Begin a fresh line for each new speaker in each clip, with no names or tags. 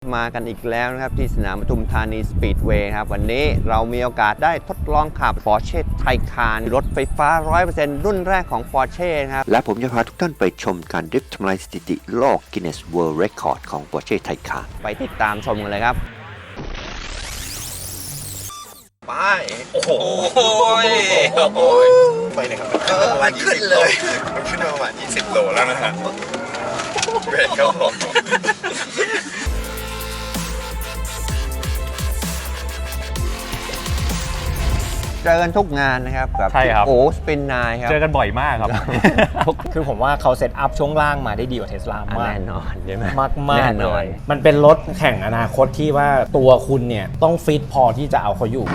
มากันอีกแล้วนะครับที่สนามปทุมธานีสปีดเวย์ครับวันนี้เรามีโอกาสได้ทดลองขับ Porsche Taycan รถไฟฟ้า 100% รุ่นแรกของ Porsche นะครับและผมจะพาทุกท่านไปชมการดริฟท์ทำลายสถิติโลก Guinness World Record ของ Porsche Taycan ไปติดตามชมกันเลยครับไปโอ้โห
ไปเลยครับประมาณ20 โลมันขึ้นมาประมาณ20 โลแล้วนะฮะเบรกครับผม
เจอกันทุกงานนะครับกับโอ้สปินนายครับ
เจอกันบ่อยมากครับ
คือผมว่าเขาเซตอัพช่วงล่างมาได้ดีกว่าเทสลามาก
แน่นอนใช่ไหม
มากเลยมันเป็นรถแข่งอนาคตที่ว่าตัวคุณเนี่ยต้องฟิตพอที่จะเอาเขาอยู่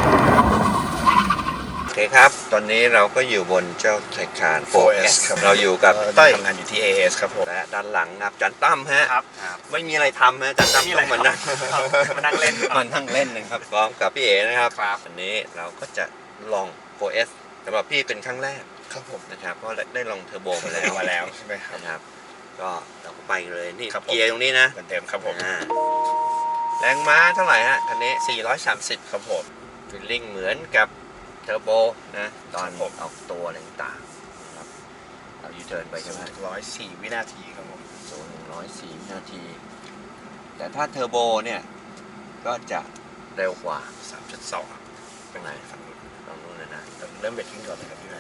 โอเคครับตอนนี้เราก็อยู่บนเจ้าไทยคาน 4S ครับเราอยู่กับ
ต้อยทำงานอยู่ที่ AS ครับผม
และด้านหลังครับจันตั้มฮะ
ครับ
ไม่มีอะไรทำฮะจันตั้มต้องมานั่งเล่นนะครับพร้อมกับพี่เอ๋นะครับวันนี้เราก็จะลอง 4S สำหรับพี่เป็นครั้งแรก
ครับผม
นะครับเพราะได้ลองเทอร์โบมาแล้ว
ใช่ไหม
ครับก็เราก็ไปเลยนี่เกียร์ตรงนี้นะ
เหมือนเดิมครับผม
แรงม้าเท่าไหร่ฮะคันนี้
430ครับผม
ฟีลลิ่งเหมือนกับเทอร์โบนะตอนออกตัวอะไรต่างๆครับเรายูเทิร์นไปใช่ไหม
104 วินาทีครับผม
104 วินาทีแต่ถ้าเทอร์โบเนี่ยก็จะเร็วกว่า
3.2 ครับ
เป็นไงฝั่งนู้นเลยนะ
เริ่มเบรกทิ้งก่อนเลยครับพี่แม่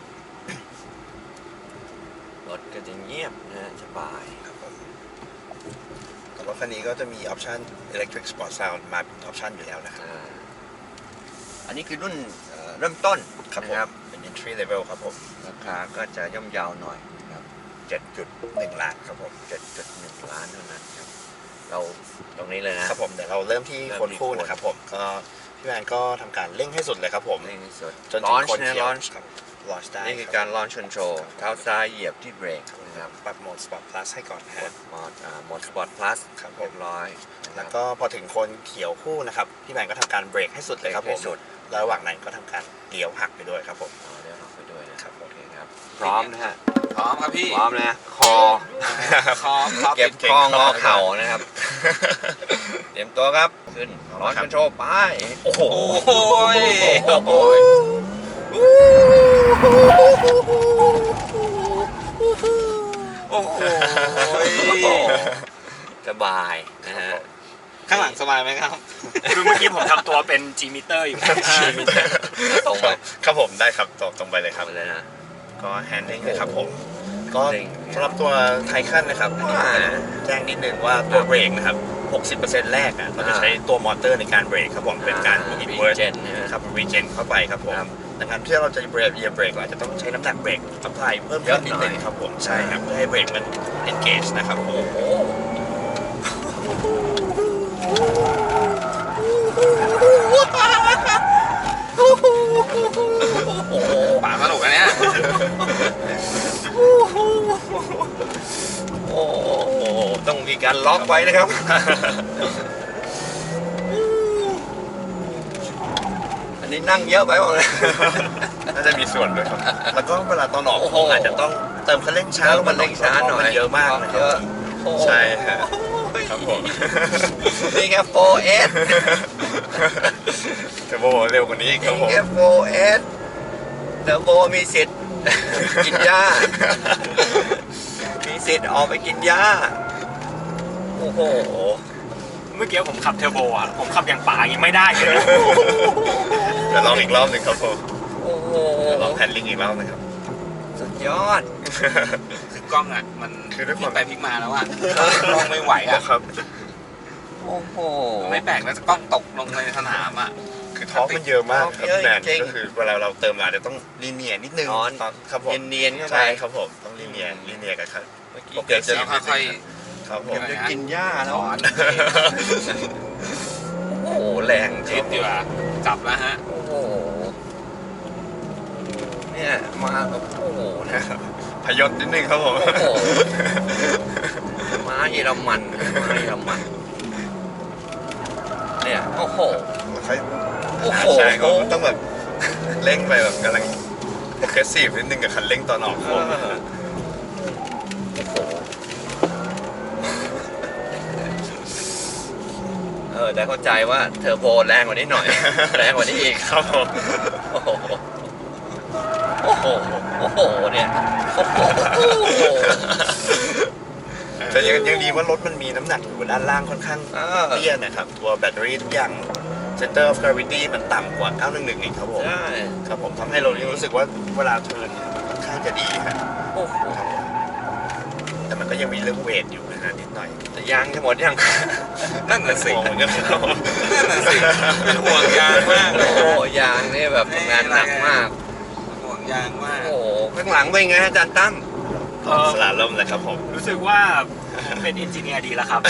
รถก็จะเงียบนะสบาย
ครับผมแต่ว่าคันนี้ก็จะมีออปชั่น Electric Sport Sound มาเป็นออปชั่นอยู่แล้วนะครับ
อันนี้คือรุ่นเริ่มต้น
นะครับเป็น entry level ครับผม
ราคาก็จะย่อมเยาวหน่อยครับ
7.1 ล้านครับผม
7.1 ล้านเท่านั้นครับเราตรงนี้เลยนะครับ
ผมเดี๋ยวเราเริ่มที่โคนคู่นะครับผมก็พี่แมนก็ทำการเร่งให้สุดเลยครับผม
เร่งให้สุด
จนถึงโคนเขียวครับลอนช์ได้
นี่คือการลอนช์คอนโทรลเท้าซ้ายเหยียบที่เบรกนะครับ
ปรับโหมด Sport Plus ให้ก่อนนะฮะ
โหมด Sport Plus
ครับ
เรียบร้อย
แล้วก็พอถึงโคนเขียวคู่นะครับพี่แมนก็ทำการเบรกให้สุดเลยครับผมแล้วระหว่างนั้นก็ทำการเลี้ยวหักไปด้วยครับผม
เลี้ยวหักไปด้วยนะครับโอเคครับ
พร้อมนะฮะ
พร้อมครับพี่พร้อมนะคอเก็บคองอเข่านะครับเตรียมตัวครับขึ้นลอนช์คอนโทรลไป
โอ้โห
โอ้โหสบายนะฮะ
ข้างหลังสบายไหมครับ
คือเมื่อกี้ผมทำตัวเป็น G meter อยู่
ตรงไป
ครับผมได้ครับตรงไปเลยครับ
เลยนะ
ก็แฮนดิ้งเลยครับผมก็สำหรับตัวไทคันนะครับแจ้งนิดนึงว่าตัวเบรกนะครับ 60% แรกเราจะใช้ตัวมอเตอร์ในการเบรกครับผมเป็นการอินเวอร์สครับรีเจนเข้าไปครับผมดังนั้นที่เราจะเบรกเราอาจจะต้องใช้น้ำหนักเบรกอัพพลายเพิ่มขึ้นนิดนึงครับผมใช่ครับเพื่อให้เบรกมัน engage นะครับโอ้โห
ป่าสนุกนะเนี่ยโอ้ต้องมีการล็อกไว้นะครับอันนี้นั่งเยอะไปหมดเลย
น่าจะมีส่วนด้วยครับแล้วก็เวลาตอนออกอาจจะต้องเติมคันเร่งช้า
มันเร่งช้าหน่อย
เยอะมากนะครับใช่ครับผม
นี่แค่ 4S
เทอร์โบเร็วกว่านี้ครับผม
นี่แค่ 4S เทอร์โบมีสิทธิ์กินหญ้ามีสิทธิ์ออกไปกินหญ้าโอ้โห
เมื่อกี้ผมขับเทอร์โบผมขับอย่างป่ายังไม่ได้เลย
เดี๋ยวลองอีกรอบหนึ่งครับผม
โอ้โห
ลองแฮนด์ลิงอีกรอบนะครับ
สุดยอด
คือกล้องมัน
คือด้วยความ
ไปพลิกมาแล้วกล้องไม่ไหว
ครับ
โอ้โห
ไม่แปลกแล้วกล้องตกลงในสนาม
คือท็อปมันเยอะมากครับแมนก็คือเวลาเราเติมมาจะต้องลีเนียนิดนึงครับผม
เนียนเข้าไป
ใช่ครับผมต้องลีเนียกันครับ
เมื่อกี้เกิดจะค่อย
ครับผม
จะกินหญ้าแล้วโอ้โหแรง
จริงดีว่ะจับแล้วฮะ
โอ้โหเนี่ยมาแบบโอ้โหนะ
พยศนิดนึงครับผม
ม้าเยอรมันเนี่ยโอ้โห
ใช่ก็ต้องแบบเร่งไปแบบกำลังโปรเกรสซีฟนิดนึงกับคันเร่งตอนออกโค้ง
แต่เข้าใจว่าเทอร์โบแรงกว่านี้หน่อย แรงกว่านี้อีก
ครับผม
โอ้โหโอ้โหโอ้โหเนี่ยโอ้โห
แต่ยังดีว่ารถมันมีน้ำหนักอยู่ด้านล่างค่อนข้างเตี้ยนะครับตัวแบตเตอรี่ทุกอย่าง center of gravity มันต่ำกว่า911อีกครับผม
ใช่
ครับผมทำให้เรารู้สึกว่าเวลาเทิร์นค่อนข้างจะดีครับ
โอ้โห
แต่มันก็ยังมีเรื่องเวทอยู่นะฮะนิดหน่อย
แต่ยางจะหมดยัง นั่นน่ะสิ
ห่วงเหมือนกันครับ
นั่นน่ะสิเป็นห่วงยางมากโอ้โหยางนี่แบบทำงานหนักมาก
ห่วงยางมาก
โอ้โหข้างหลังเป็นไงอาจารย์ตั้ม
สลาล่มเลยครับผม
รู้สึกว่าผมเป็นเอนจิเนียร์ดีแล้วครับ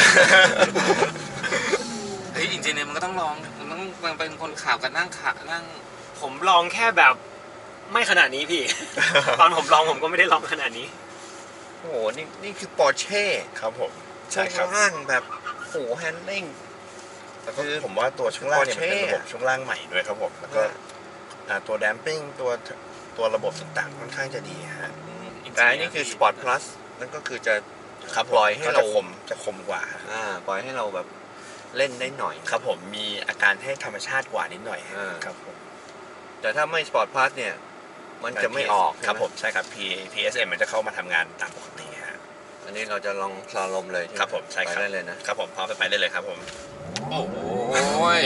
เฮ้ยจริงๆเนี่ยมันก็ต้องลองมันเป็นคนขับกันนั่งขานั่ง
ผมลองแค่แบบไม่ขนาดนี้พี่ ตอนผมลองผมก็ไม่ได้ลองขนาดนี้
โอ้โหนี่คือปอร์เช่
ครับผม
ช่ว
ใช่ครับ
งล่างแบบโอ้โหแฮนดิ้ง
แล้วก็ผมว่าตัวช่วงล่างเนี่ยมันเป็นระบบช่วงล่างใหม่ด้วยครับผมแล้วก็ตัวแดมปิ้งตัวระบบต่างๆค่อนข้างจะดีฮะ
แต่อันนี่คือ Sport Plus นั่นก็คือจะ
ครับ
ปล่อยให้
ก็
เรา
จะคมกว่า
ปล่อยให้เราแบบเล่นได้หน่อย
ครับผมมีอาการให้ธรรมชาติกว่านิดหน่อย ครับผม
แต่ถ้าไม่ Sport Plus เนี่ย มันจะไม่ออก
ครับ
ใช่ไห
ผมใช่ครับ PSM มันจะเข้ามาทำงานตามปกติฮะ
อันนี้เราจะลองสลาลมเลย
ครับผมใช่ครับ
ไปได้เลยนะครับ
ผมพร้อมไปได้เลยครับผม
โอ้โหย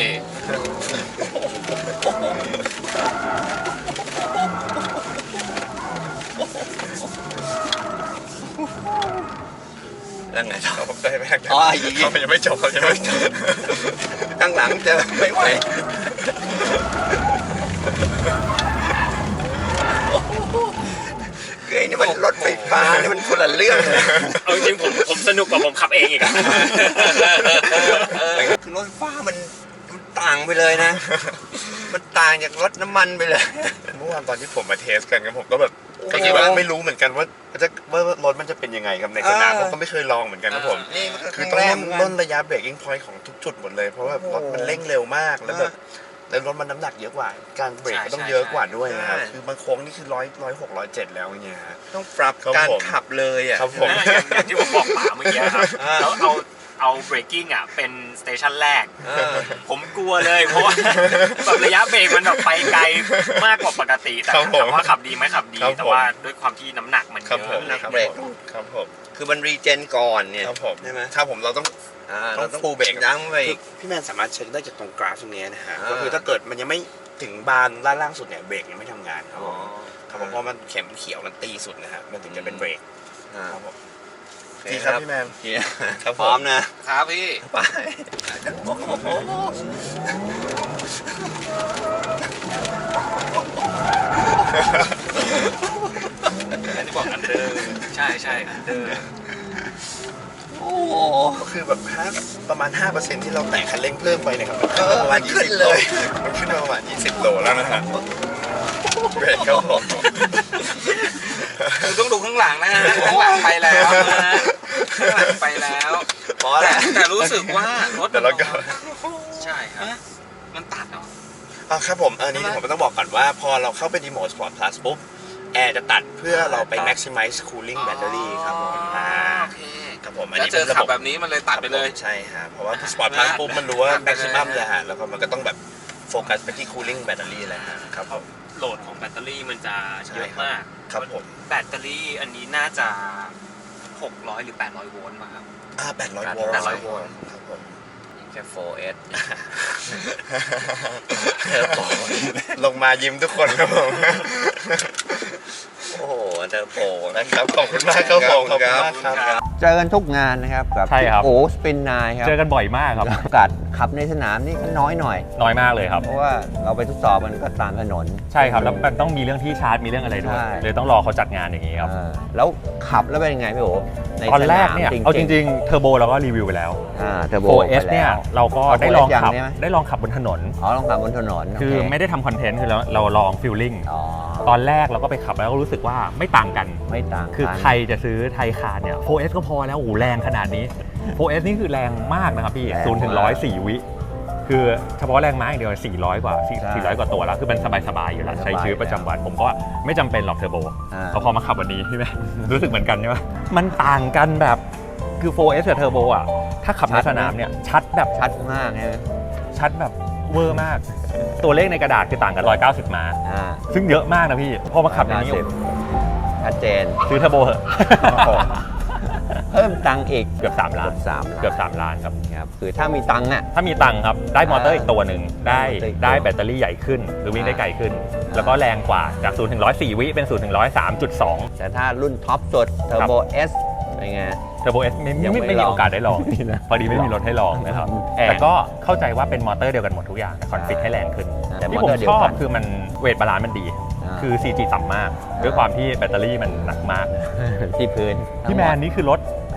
แล้วไงต่อ
ครับผมได้ไหมครับ
อ๋ออีก
เขายังไม่จบครับยังไม่จบ
ข้างหลังจะไม่ไหวเฮ้ยนี่มันรถไฟฟ้านี่มันคนละเรื่องเลย
เอาจริงๆผมสนุกกว่าผมขับเองอีกอะ
คือรถไฟฟ้ามันต่างไปเลยนะ มันต่างจากรถน้ำมันไปเลย
เมื่อวานตอนที่ผมมาเทสกันครับผมก็แบบ
โอ้โห
ก็คิดว่าไม่รู้เหมือนกันว่ารถมันจะเป็นยังไงครับในสนาม
เออ
ผมก็ไม่เคยลองเหมือนกันครับผม
นี่มันก็
คือ
รั้
ต้อง
งแรก
ล่นระยะเบรกกิ้งพอยต์ของทุกจุดหมดเลยเพราะว่า
โอ้โห
รถมันเร่งเร็วมากแล้วแบบแล้วรถมันน้ำหนักเยอะกว่า การเบรกก็ต้องเยอะกว่าด้วยนะครับ
ใช่
คือบางโค้งนี่คือ106 107แล้วอย่างเงี้ยฮะ
ต้องปรับ
ครับ
การ
ผม
ขับเลยอ่ะ
ครับผม
อย่างที่ผมบอกป๋าเมื่อกี้ครับ แล้วเอาเบรกกิ้งอ่ะเป็นสเตชันแรก
เออ
ผมกลัวเลยเพราะว่าแบบระยะเบรกมันแบบไปไกลมากกว่าปกติแต่
ครับผม
ถามว่าขับดีไหมขับดี
ครับผม
แต่ว่าด้วยความที่น้ำหนักมัน
ครับ
เย
ผม
อะเลย
ครับ
เบรก
ผมครับผม
คือมันรีเจนก่อนเนี่ย
ครับผม
ใช่ไหม
ถ้าผมเราต้อง
เราต้อง
full brake
ยั้งไปอีก
พี่แมนสามารถเช็คได้จากตรงกราฟตรงนี้นะฮะ
อ่า
ก็คือถ้าเกิดมันยังไม่ถึงบานด้านล่างสุดเนี่ยเบรกยังไม่ทำงานครับ
อ๋
ผ
อ
มครับผมเพราะมันเข็มเขียวมันตีสุดนะฮะมันถึงจะเป็นเบรก
อ่า
ครับผม
โอเค
ดีครับพี่แมน
เฮีย
ครับผม
พร้อมนะครับ
พี่
ไป
อันที่บอกอันเดอร์ใช่อันเดอร์
โอ้โห
ก็คือแบบประมาณ 5% ที่เราแตะคันเร่งเพิ่มไปเนะครับ
เออ
ประมาณ
มันขึ้น
20
เลย
มันขึ้นมาประมาณ20 โลแล้วนะฮะเบรกครับผม
คือต้องดูข้างหลังนะฮะข้างหลังไปแล้วนะฮะข้างหลังไปแล้ว
พอแหละ
แต่รู้สึกว่ารถ
เดี๋ยวเราก็
ใช่ครับมันตัดเหรอ
ครับผมอันนี้ผมต้องบอกก่อนว่าพอเราเข้าไปในโหมด Sport Plus ปุ๊บแอร์จะตัดเพื่อเราไป maximize cooling battery ครับผม
โอเค
ครับผมอัน
แล้ว
นี้
เจ
เป็
อน
ระ
ขั
บบ
แบบนี้มันเลยตัดไปเลย
ใช่ฮะเพราะว่า Sport Plus ปุ๊บมันรู้ว่า
ตัดไปเลย
maximum เลยฮะแล้วก็มันก็ต้องแบบโฟกัสไปที่ cooling battery เลยฮะครับผม
โหลดของแบตเตอรี่มันจะเยอะมาก
ครับผม
แบตเตอรี่อันนี้น่าจะ 600 หรือ 800 โวลต์มาครับ
800 โวลต์
800 โวลต์
ครับผม
แค่ 4S เธอบอก
ลงมายิ้มทุกคนครับผม
โอ้โหเธอโป
นะครับขอบคุณมากครับผมขอบคุณมากครับ
เจอกันทุกงานนะครับกับ
ใช่ครับ
โอ้สปินนายครับ
เจอกันบ่อยมากครับ
โอกาสขับในสนามนี่ก็น้อยหน่อย
น้อยมากเลยครับ
เพราะว่าเราไปทดสอบมันก็ตามถนน
ใช่ครับ แล้วมันต้องมีเรื่องที่ชาร์จมีเรื่องอะไรด้วย
ใช่
เลยต้องรอเขาจัดงานอย่างนี้ครับ
แล้วขับแล้วเป็นยังไงพี่โอใน
ตอนแรกเนี่ย
สม
เอาจริงๆเทอร์โบเราก็รีวิวไปแล้ว
เทอร์โบ
4S เนี่ยเราก็ได้ลองขับ
4S ยังใช่ไหม
ได้ลองขับบนถนน
อ๋อลองขับบนถนน
คือ
โเ
ไม่ได้ทำคอนเทนต์คือเราลองฟิลลิ่ง
อ๋อ
ตอนแรกเราก็ไปขับแล้วก็รู้สึกว่าไม่ต่างกัน
ไม่ต่าง
คือ
กัน
ใครจะซื้อไทยคาร์เนี่ย 4S ก็พอแล้วโอ้โหแรงขนาดนี้ 4S นี่คือแรงมากนะครับพี่
แรง
0 ถึง
มาก
104 วิ คือเฉพาะแรงม้าอย่างเดียว400 กว่า
ใช่
400 กว่าตัวแล้ว คือเป็นสบายๆอยู่แล้ว
สบาย
ใช้ชีวิตประจำวัน ผมก็ไม่จำเป็นหรอกเทอร์โบ
อ่า
พอมาขับวันนี้ใช่ไหม รู้สึกเหมือนกันใช่ไหมมันต่างกันแบบ
คือ 4S กับเทอร์โบอ่ะถ้าขับในสนามเนี่ยชัดแบบ
ชัดมากใช่ไหม
ชัดแบบเวอร์มาก ตัวเลขในกระดาษคือต่างกัน190 ม้า ซึ่งเยอะมากนะพี่พอมาขับในนี้
ชัดเจน
ซื้อเทอร์โบเหอะ
เพิ่มตังค์อีก
เกือบ3 ล้าน
เกือบ
3 ล้านครับ
ครับคือถ้ามีตังค์อ่ะ
ถ้ามีตังค์ครับได้มอเตอร์อีกตัวหนึ่งได้
มอเตอร์อีกตัว
ได้แบตเตอรี่ใหญ่ขึ้น หรือวิ่งได้ไกลขึ้น แล้วก็แรงกว่าจาก0ถึง100 4 วิเป็น0ถึง100 3.2
แต่ถ้ารุ่นท็อปสุด Turbo S เป็นไง
เทอร์โบเอส
ยังไม่
ไม่มี
ลอง
โอกาสได้ลองพอดีไม่มีรถให้ลองนะครับ แต่ก็เข้าใจว่าเป็นมอเตอร์เดียวกันหมดทุกอย่างแต่คอนฟิกให้แรงขึ้น
แต่
ที่
มอ
ผม
เตอร์เดีย
ช
ว
อบ
กัน
คือมันเวทบาลานซ์มันดี คือ CG ต่ำมาก ด้วยความที่แบตเตอรี่มันหนักมาก
ที่พื้น
พี่แมนนี่คือรถ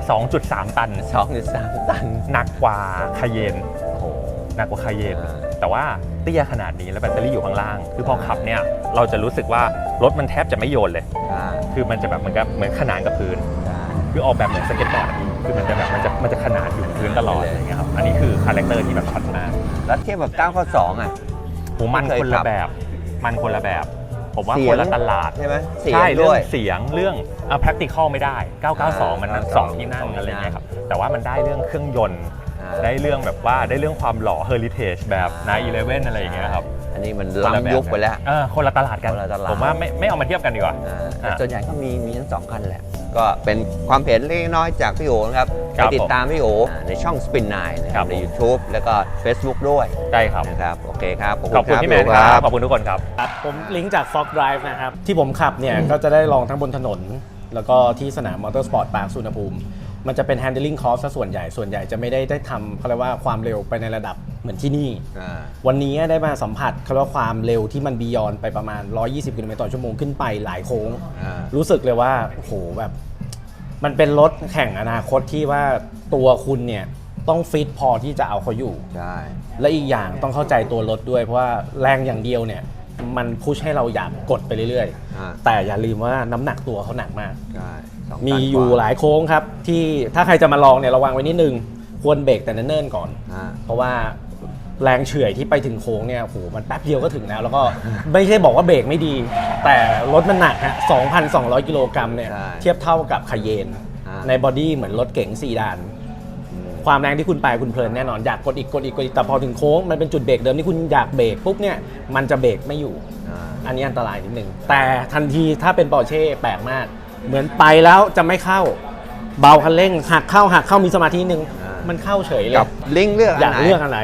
2.3 ตัน
2.3 ตัน
หนักกว่าคาเยน
โอ้โห
หนักกว่าคาเยน
อ่า
แต่ว่าเตี้ยขนาดนี้แล้วแบตเตอรี่อยู่ข้างล่าง คือพอขับเนี่ยเราจะรู้สึกว่ารถมันแทบจะไม่โยนเลย คือมันจะแบบเหมือนขนานกับพื้น คือออกแบบเหมือนสเก็ตบอร์ดอะพี่คือมันจะแบบมันจะขนานอยู่บนพื้นตลอดอะไรเงี้ยครับ อันนี้คือคาแรคเตอร์ที่แบบชัดมาก
แล้วเทียบกับ992อ่ะ
โหมัน
ไม่เคย
คน
ขั
ละ
บ
แบบ มันคนละแบบ ผมว่า
เสียง
คนละตลาด
ใช่ไหมเสียง
ใช่เรื่
ด้
อ
วย
งเสียงเรื่อง practical ไม่ได้ 992 มัน2ที่นั่งอะไรเงี้ยครับ แต่ว่ามันได้เรื่องเครื่องยนต์ ได้เรื่องแบบว่าได้เรื่องความหล่อ heritage แบบ911อะไรอย่างเงี้ยครับ
อันนี้มัน
คนละแบบ
ล้ำยุคไปแล้ว
คนละตลาดกัน
คนละตลาด
ผมว่าไม่เอามาเทียบกันดีกว่า
แต่ส่วนใหญ่ก็มีทั้งสองคันแหละ ก็เป็นความเห็นเล็กน้อยจากพี่โอนะครับ
ครั
ไป
บ
ติดตามพี่โอในช่อง Spin 9นะค
ครั
รับบ ใน YouTube แล้วก็ Facebook ด้วย
ได้ครับ
นะครับ โอเคครับ
ขอบคุณพี่แมนครับ ขอบคุณทุกคนครับ
ครับผมลิงก์จาก Fog Drive นะครับ ที่ผมขับเนี่ย ก็จะได้ลองทั้งบนถนน แล้วก็ที่สนามมอเตอร์สปอร์ตปาร์คสุวรรณภูมิ มันจะเป็น handling course ซะส่วนใหญ่จะไม่ได้ทำเขาเรียกว่าความเร็วไปในระดับเหมือนที่นี่ วันนี้ได้มาสัมผัสเขาเรียกว่าความเร็วที่มันบียอนไปประมาณ 120 กิโลเมตรต่อชั่วโมงขึ้นไปหลายโค้ง รู้สึกเลยว่าโอ้โหแบบมันเป็นรถแข่งอนาคตที่ว่าตัวคุณเนี่ยต้องฟิตพอที่จะเอาเขาอยู่
ใช่
และอีกอย่างต้องเข้าใจตัวรถด้วยเพราะว่าแรงอย่างเดียวเนี่ยมันพุชให้เราอยากกดไปเรื่อยๆ แต่อย่าลืมว่าน้ำหนักตัวเขาหนักมาก
ใช่2
มี
ตัน
อยู่
กว่า
หลายโค้งครับที่ถ้าใครจะมาลองเนี่ยระวังไว้นิดนึงควรเบรกแต่เนิ่นๆก่อน เพราะว่าแรงเฉื่อยที่ไปถึงโค้งเนี่ยโหมันแป๊บเดียวก็ถึงแล้วก็ ไม่ใช่บอกว่าเบรกไม่ดี แต่รถมันหนักฮะ 2,200 กิโลกรัมเนี่ย
ใช่
เทียบเท่ากับคาเยน
อ่า
ในบอดี้เหมือนรถเก๋งซีดาน ความแรงที่คุณไปคุณเพลินแน่นอนอยากกดอีกแต่พอถึงโค้งมันเป็นจุดเบรกเดิมที่คุณอยากเบรกปุ๊บเนี่ยมันจะเบรกไม่อยู่ อันนี้อันตรายนิดนึงแต่ทันทีถ้าเป็นปอร์เช่แปลกมาก เหมือนไปแล้วจะไม่เข้าเบาคันเร่งหักเข้ามีสมาธินิดนึงมันเข้าเฉยเลย
กับลิงก์เลือก
อยาก
นไหน
เลือกอะไร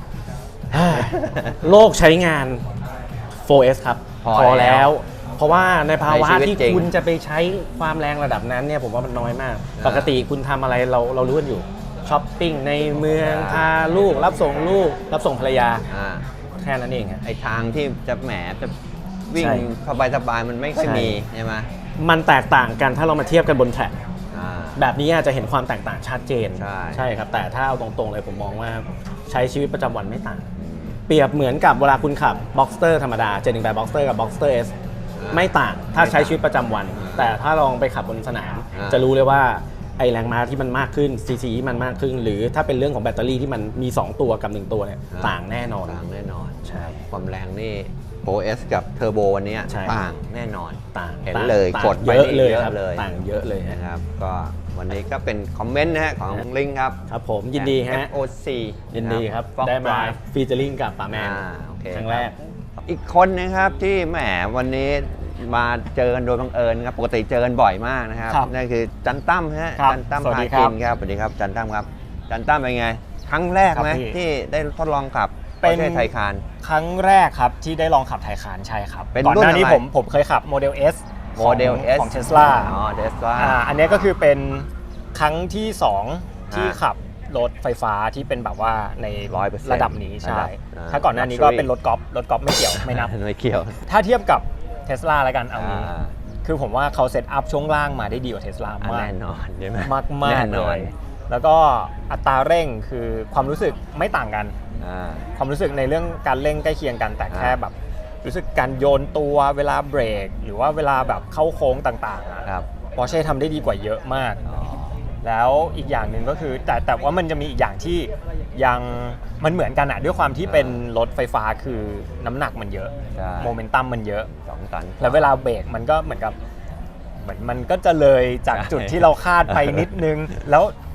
โลกใช้งาน 4S ครับ
พอแล้ว
เพราะว่าในภาวะ
ในชีวิต
ที่
จริง
คุณจะไปใช้ความแรงระดับนั้นเนี่ยผมว่ามันน้อยมาก ปกติคุณทำอะไรเรารู้กันอยู่ช้อปปิ้งในเมืองพาลูกรับส่งลูกรับส่งภรรยา แค่นั้นเองฮะ
ไอทางที่จะแหมจะวิ่ง
ใช่
สบายๆมันไม่ค่อย
ใช่
มีใช่ไหม
มันแตกต่างกันถ้าเรามาเทียบกันบนแทร็ก
อ่า
แบบนี้อาจจะเห็นความแตกต่างชัดเจน
ใช่
ครับ แต่ถ้าเอาตรงๆเลยผมมองว่าใช้ชีวิตประจำวันไม่ต่าง เปรียบเหมือนกับเวลาคุณขับ Boxster ธรรมดา718 Boxster กับ Boxster S ไม่ต่างถ้าใช้ชีวิตประจำวัน แต่ถ้าลองไปขับบนสนาม จะรู้เลยว่าไอแรงม้าที่มันมากขึ้น CC ที่มันมากขึ้น หรือถ้าเป็นเรื่องของแบตเตอรี่ที่มันมี 2 ตัวกับ 1 ตัวเนี่ยต่างแน่นอน
ต่างแน่นอน
ใช่
ความแรงนี่ 4S กับเทอร์โบวันนี้
ใช่
ต่างแน่นอน
ต่าง
เห็น
ต่าง
เลย
ต่าง
กดไป
เยอะเลย
เยอะ
ครับ
เลย
ต่างเยอะเลยฮะ
นะครับก็วันนี้ก็เป็นคอมเมนต์นะฮะของลิงครับ
ครับผมยินดีฮะ
FOC
ยินดีครับ
Fog
ได้มา
Drive
ฟีเจอริงกับป๋าแมน
โอเค
ครั้งแรก
อีกคนนะครับที่แหมวันนี้มาเจอกันโดยบังเอิญครับปกติเจอกันบ่อยมากนะครับ
ครับ
นั่นคือจันตั้มฮะ
ครับ
จันตั้ม
สวัส
พา
ดีครั
กิ
บ
นครับสวัสดีครับจันตั้มครับจันตั้มเป็นไง ครั้งแรกไหม
ครับพี่
ที่ได้ทดลองขับ
เป็น
Porsche Taycan
ครั้งแรกครับที่ได้ลองขับไทคานใช่ครับ
เป็น
ก่อนหน้านี้
รุ่นอะไร
ผมเคยขับโมเดล S
โมเดล S
ของ Tesla
อ๋อ Tesla
อันนี้ก็คือเป็นครั้งที่ 2 ที่ขับรถไฟฟ้าที่เป็นแบบว่าใน
100%
ระดับนี้ใช่
ระดับ
ถ้าก่อนหน้านี้ก็เป็นรถกอล์ฟไม่เกี่ยวไม่นับ
ไม่เกี่ยว
ถ้าเทียบกับ Tesla แล้วกันเอางี้
อ่า
คือผมว่าเขาเซตอัพช่วงล่างมาได้ดีกว่า Tesla มาก
แน่นอนใช่ไหม
มาก
แน่
ๆ
น
เล
อน
ย แล้วก็อัตราเร่งคือความรู้สึกไม่ต่างกัน
อ่า
ความรู้สึกในเรื่องการเร่งใกล้เคียงกันแต่แค่แบบรู้สึกการโยนตัวเวลาเบรก หรือว่าเวลาแบบเข้าโค้งต่างๆ
ครับ
ปอร์เช่ทำได้ดีกว่าเยอะมาก
อ๋อ
แล้วอีกอย่างหนึ่งก็คือแต่ว่ามันจะมีอีกอย่างที่ยังมันเหมือนกันอะด้วยความที่เป็นรถไฟฟ้าคือน้ำหนักมันเยอะ
ใช่
โมเมนตัมมันเยอะ
2 ตัน
แล้วเวลาเบรกมันก็เหมือนกับเหมือนมันก็จะเลยจากจุดที่เราคาดไปนิดนึง แล้ว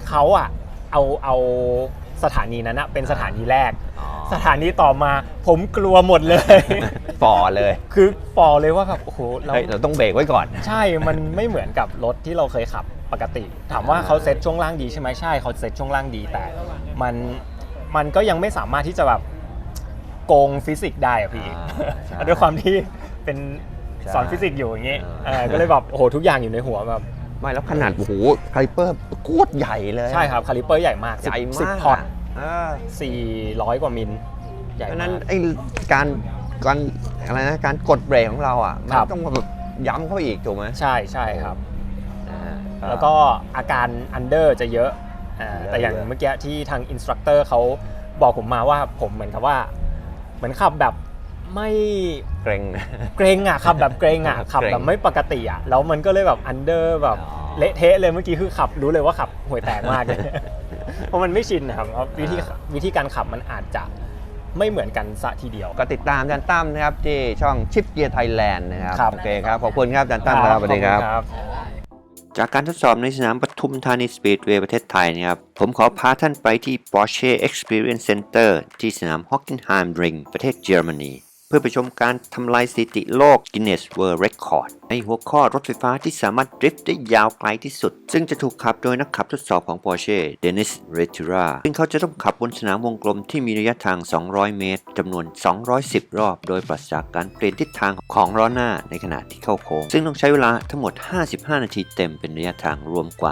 เขาอะเอาสถานีนั้นอะเป็นสถานีแรก สถานีต่อมาผมกลัวหมดเลย
ฝ่อเลย
คือฝ่อเลยว่าแบบโอ้โห
เฮ้ยเราต้องเบรกไว้ก่อน
ใช่มันไม่เหมือนกับรถที่เราเคยขับปกติ ถามว่าเขาเซ็ตช่วงล่างดีใช่ไหมใช่เขาเซ็ตช่วงล่างดีแต่มันก็ยังไม่สามารถที่จะแบบโกงฟิสิกส์ได้อะพี่
ใช่
ด้วยความที่เป็น
ใช่
สอนฟิสิกส์อยู่อย่างงี้
เออ
ก็เลยแบบโอ้โหทุกอย่างอยู่ในหัวแบบ
ไม่แล้วขนาดโอ้โหคาลิเปอร์โคตรใหญ่เลย
ใช่ครับคาลิเปอร์ใหญ่มาก
ใหญ่มาก
10 พอร์ต
เออ
400 กว่ามิลใหญ่
เพราะฉะ
มา
นั้น
ก
ไอ้การอะไรนะการกดเบรกของเราอ่ะมั
ครั
น
บ
ต้องแบบย้ำเข้าไปอีกถูกไหม
ใช่ใช่ครับ
อ่า
แล้วก็อาการอันเดอร์จะเยอะแต่อย่าง
เยอะ
เมื่อกี้ที่ทางอินสตรัคเตอร์เขาบอกผมมาว่าผมเหมือนกับว่าเหมือนขับแบบไม่
เกรง
เกรงอ่ะขับแบบเกรงอ่ะ ขับแบบไม่ปกติอ่ะแล้วมันก็เลยแบบอันเดอร์แบบ
อ๋อ
เละเทะเลยเมื่อกี้คือขับรู้เลยว่าขับห่วยแตกมากเลย เพราะมันไม่ชินนะครับเพราะวิธีการขับมันอาจจะไม่เหมือนกันซะทีเดียว
ก็ติดตามอาจารย์ตั้มนะครับที่ช่องชิปเกียร์ไทยแลนด์นะครับ
ครับ
โอเคครับ ขอบคุณครับอาจารย์ตั้มครับสวัสดีครับ
ขอณ
จากการทดสอบในสนามปทุมธานีสปีดเวย์ประเทศไทยนะครับ ผมขอพาท่านไปที่ Porsche Experience Center ที่สนาม Hockenheim Ring ประเทศเยอรมนี เพื่อไปชมการทำลายสถิติโลก Guinness World Record ในหัวข้อรถไฟฟ้าที่สามารถดริฟต์ได้ยาวไกลที่สุด ซึ่งจะถูกขับโดยนักขับทดสอบของ Porsche Dennis Retura ซึ่งเขาจะต้องขับบนสนามวงกลมที่มีระยะทาง 200 เมตรจำนวน 210 รอบ โดยปราศจากการเปลี่ยนทิศทางของล้อหน้าในขณะที่เข้าโค้ง ซึ่งต้องใช้เวลาทั้งหมด 55 นาทีเต็มเป็นระยะทางรวมกว่า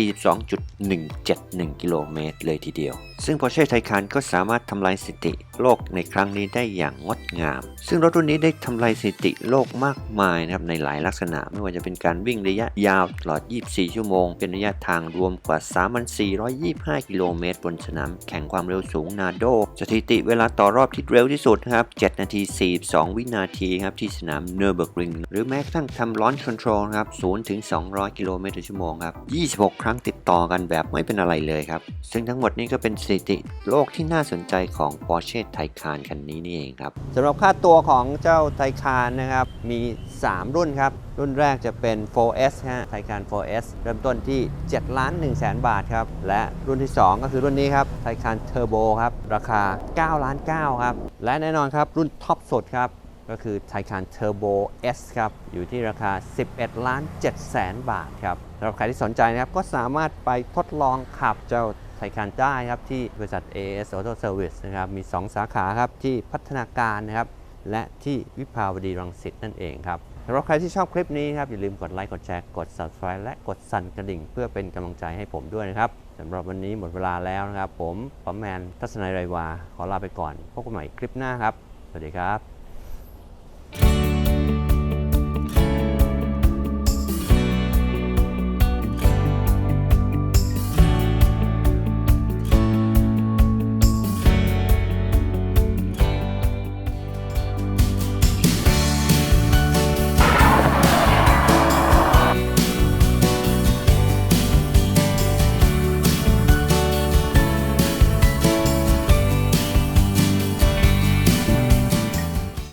42.171 กิโลเมตรเลยทีเดียว ซึ่ง Porsche Taycan ก็สามารถทำลายสถิติโลกในครั้งนี้ได้อย่างงดงาม ซึ่งรถรุ่นนี้ได้ทำลายสถิติโลกมากมายนะครับในหลายลักษณะไม่ว่าจะเป็นการวิ่งระยะยาวตลอด 24 ชั่วโมง เป็นระยะทางรวมกว่า 3,425 กิโลเมตรบนสนามแข่งความเร็วสูงนาโดสถิติเวลาต่อรอบที่เร็วที่สุดครับ7 นาที 42 วินาทีครับที่สนามเนอร์เบิร์กริงหรือแม้กระทั่งทำลอนช์คอนโทรลครับ0 ถึง 200 กิโลเมตรต่อชั่วโมงครับ 26 ครั้งติดต่อกันแบบไม่เป็นอะไรเลยครับซึ่งทั้งหมดนี้ก็เป็นสถิติโลกที่น่าสนใจของ Porsche Taycan คันนี้นี่เองครับสำหรับค่าตัวของเจ้า Taycan นะครับมี 3 รุ่นครับรุ่นแรกจะเป็น 4S ฮะ Taycan 4S เริ่มต้นที่ 7,100,000 บาทครับและรุ่นที่ 2 ก็คือรุ่นนี้ครับ Taycan Turbo ครับราคา 9,900,000 ครับและแน่นอนครับรุ่นท็อปสุดครับก็คือ Taycan Turbo S ครับอยู่ที่ราคา 11,700,000 บาทครับสำหรับใครที่สนใจนะครับก็สามารถไปทดลองขับเจ้าTaycan ได้ครับที่บริษัท AS Auto Service นะครับมี 2 สาขาครับที่พัฒนาการนะครับและที่วิภาวดีรังสิตนั่นเองครับสำหรับใครที่ชอบคลิปนี้ครับอย่าลืมกดไลค์กดแชร์กด Subscribe และกดสั่นกระดิ่งเพื่อเป็นกำลังใจให้ผมด้วยนะครับสำหรับวันนี้หมดเวลาแล้วนะครับผมป๋อมแมนทัศนัยไรวาขอลาไปก่อนพบกันใหม่คลิปหน้าครับสวัสดีครับ